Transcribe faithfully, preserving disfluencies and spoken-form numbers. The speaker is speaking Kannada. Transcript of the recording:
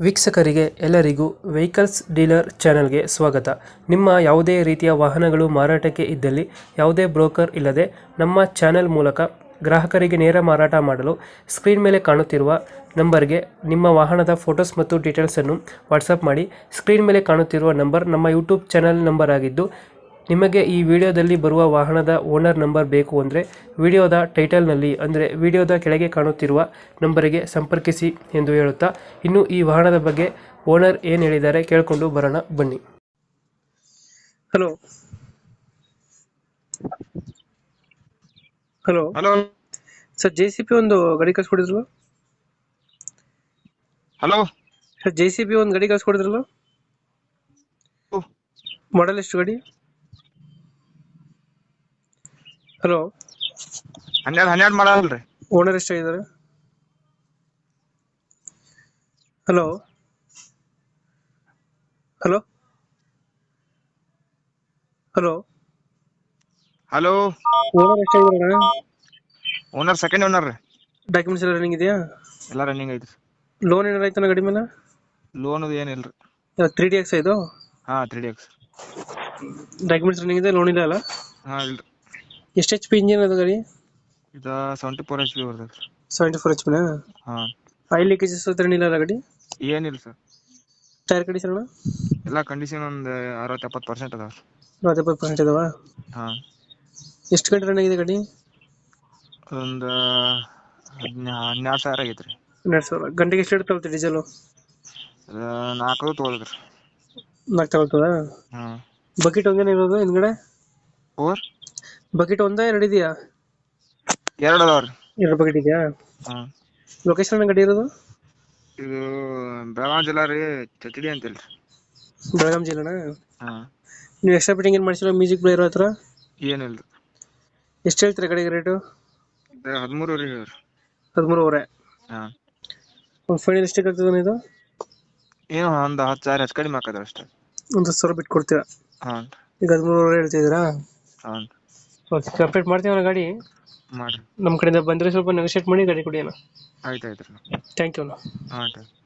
ವೀಕ್ಷಕರಿಗೆ ಎಲ್ಲರಿಗೂ ವೆಹಿಕಲ್ಸ್ ಡೀಲರ್ ಚಾನೆಲ್ಗೆ ಸ್ವಾಗತ. ನಿಮ್ಮ ಯಾವುದೇ ರೀತಿಯ ವಾಹನಗಳು ಮಾರಾಟಕ್ಕೆ ಇದ್ದಲ್ಲಿ ಯಾವುದೇ ಬ್ರೋಕರ್ ಇಲ್ಲದೆ ನಮ್ಮ ಚಾನೆಲ್ ಮೂಲಕ ಗ್ರಾಹಕರಿಗೆ ನೇರ ಮಾರಾಟ ಮಾಡಲು ಸ್ಕ್ರೀನ್ ಮೇಲೆ ಕಾಣುತ್ತಿರುವ ನಂಬರ್ಗೆ ನಿಮ್ಮ ವಾಹನದ ಫೋಟೋಸ್ ಮತ್ತು ಡೀಟೇಲ್ಸನ್ನು ವಾಟ್ಸಪ್ ಮಾಡಿ. ಸ್ಕ್ರೀನ್ ಮೇಲೆ ಕಾಣುತ್ತಿರುವ ನಂಬರ್ ನಮ್ಮ ಯೂಟ್ಯೂಬ್ ಚಾನೆಲ್ ನಂಬರ್ ಆಗಿದ್ದು, ನಿಮಗೆ ಈ ವಿಡಿಯೋದಲ್ಲಿ ಬರುವ ವಾಹನದ ಓನರ್ ನಂಬರ್ ಬೇಕು ಅಂದರೆ ವಿಡಿಯೋದ ಟೈಟಲ್ನಲ್ಲಿ ಅಂದರೆ ವಿಡಿಯೋದ ಕೆಳಗೆ ಕಾಣುತ್ತಿರುವ ನಂಬರಿಗೆ ಸಂಪರ್ಕಿಸಿ ಎಂದು ಹೇಳುತ್ತಾ, ಇನ್ನು ಈ ವಾಹನದ ಬಗ್ಗೆ ಓನರ್ ಏನು ಹೇಳಿದ್ದಾರೆ ಕೇಳಿಕೊಂಡು ಬರೋಣ ಬನ್ನಿ. Hello hello hello sir, J C B ಒಂದು ಗಾಡಿ ಕಳ್ಸ್ಕೊಡಿದ್ರಲ್ಲ hello sir J C B ಒಂದು ಗಾಡಿ ಕಳ್ಸ್ಕೊಡಿದ್ರಲ್ಲ ಮಾಡಲ್ ಎಷ್ಟು ಗಾಡಿ? ಹಲೋ, ಹನ್ನೆರಡು ಹನ್ನೆರಡು ಮಾಡಲ್ರಿ. ಓನರ್ ಎಷ್ಟಾಗಿದ್ದಾರೆ? Hello hello hello hello owner ಎಷ್ಟಾಗಿದ್ದಾರೆ? ಓನರ್ ಸೆಕೆಂಡ್ ಓನರ್ ರೀ. ಡಾಕ್ಯುಮೆಂಟ್ಸ್ ಎಲ್ಲ ರನ್ನಿಂಗ್ ಇದೆಯಾ? ಎಲ್ಲ ರನ್ನಿಂಗ್ ಐತ್ರಿ. ಲೋನ್ ಏನಾರ ಆಯ್ತಾನ ಗಾಡಿ ಮೇಲೆ? ಲೋನ್ ಏನಿಲ್ರಿ. ತ್ರೀ ಡಿ ಎಕ್ಸ್ ಇದು? ಹಾ three D X. Documents running ಇದೆ, ಲೋನ್ ಇಲ್ಲ ಅಲ್ಲ? ಹಾ ಇಲ್ರಿ. ಎಷ್ಟು ಎಚ್ ಪಿ ಇಂಜಿನ್ ಅದು ಗಾಡಿ? ಇದ ಸೆವೆಂಟಿ ಫೋರ್ ಎಚ್ ಪಿ ಬರ್ತೈತ್ರಿ. ಸೆವೆಂಟಿ ಫೋರ್ ಎಚ್ ಪಿನ? ಹಾ. ಆಯಿಲ್ ಲೀಕೇಜಸ್ ಏನಿಲ್ಲ ಅಲ್ಲ ಗಾಡಿ? ಏನಿಲ್ಲ ಸರ್. ಟೈರ್ ಕಂಡೀಷನ್ ಅಣ್ಣ? ಎಲ್ಲ ಕಂಡೀಷನ್ ಒಂದು ಅರವತ್ತು ಎಪ್ಪತ್ತು ಪರ್ಸೆಂಟ್ ಅದಾವ. ಅರವತ್ತು ಎಪ್ಪತ್ತು ಪರ್ಸೆಂಟ್ ಇದಾವ? ಹಾ. ಎಷ್ಟು ಗಂಟೆ ರನ್ ಆಗಿದೆ ಗಾಡಿ? ಒಂದು ಹದಿನಾ ಹನ್ನೆರಡು ಸಾವಿರ ಆಗೈತ್ರಿ. ಹನ್ನೆರಡು ಸಾವಿರ. ಗಂಟೆಗೆ ಎಷ್ಟು ತಗೊಳ್ತೀವಿ ಡೀಸೆಲು? ನಾಲ್ಕು ತೊಗೊಳದ್ರಿ. ನಾಲ್ಕು ತಗೊಳ್ತದ? ಹಾ. ಬಕೆಟ್ ಒಂದೇನ ಇರೋದು ಹಿಂದ್ಗಡೆ? ಫೋರ್ ಬಕೆಟ್ ಒಂದ ಎರಡು ಇದೆಯಾ? ಎರಡು ಅದಾವ್ರಿ. ಎರಡು ಬಕೆಟ್ ಇದೆಯಾ? ಹಾ. ಲೊಕೇಶನ್ ಗಾಡಿ ಇರೋದು? ಇದು ಬೆಳಗಾವಿ ಜಿಲ್ಲಾ ರೀ, ಚಚಡಿ ಅಂತಲ್ರಿ. ಬೆಳಗಾಂ ಜಿಲ್ಲೆನಾ? ಹಾ. ನೀವು ಎಕ್ಸ್ಟ್ರಾ ಫಿಟ್ಟಿಂಗ್ ಏನು ಮಾಡಿಸಿಲ್ಲ? ಮ್ಯೂಸಿಕ್ ಪ್ಲೇಯರ್ ಹತ್ರ ಏನಿಲ್ರಿ. ಎಷ್ಟು ಹೇಳ್ತೀರಾ ಗಾಡಿಗೆ ರೇಟು? ಹದಿಮೂರುವರೆ ಹೇಳ್ರಿ. ಹದಿಮೂರುವರೆ? ಹಾ. ಒಂದು ಫೈನಲ್ ಎಷ್ಟಕ್ಕೆ ಆಗ್ತದೆ ಇದು? ಏನು ಒಂದು ಹತ್ತು ಸಾವಿರ ಹೆಚ್ಚು ಕಡಿಮೆ ಹಾಕದ್ರ ಅಷ್ಟೇ. ಒಂದು ಹತ್ತು ಸಾವಿರ ಬಿಟ್ಟು ಕೊಡ್ತೀರಾ? ಹಾಂ. ಈಗ ಹದಿಮೂರುವರೆ ಹೇಳ್ತಿದ್ದೀರಾ? ಹಾಂ. ಓಕೆ, ಕಂಪ್ಲೀಟ್ ಮಾಡ್ತೀವಿ ಗಾಡಿ. ಮಾಡಿರಿ. ನಮ್ಮ ಕಡೆಯಿಂದ ಬಂದರೆ ಸ್ವಲ್ಪ ನೆಗೋಷಿಯೇಟ್ ಮಾಡಿ ಗಾಡಿ ಕೊಡಿ ಅಣ್ಣ. ಆಯ್ತು ಆಯ್ತು ರೀ. ಥ್ಯಾಂಕ್ ಯು ಅಣ್ಣ. ಹಾಂ ಥ್ಯಾಂಕ್ ಯು.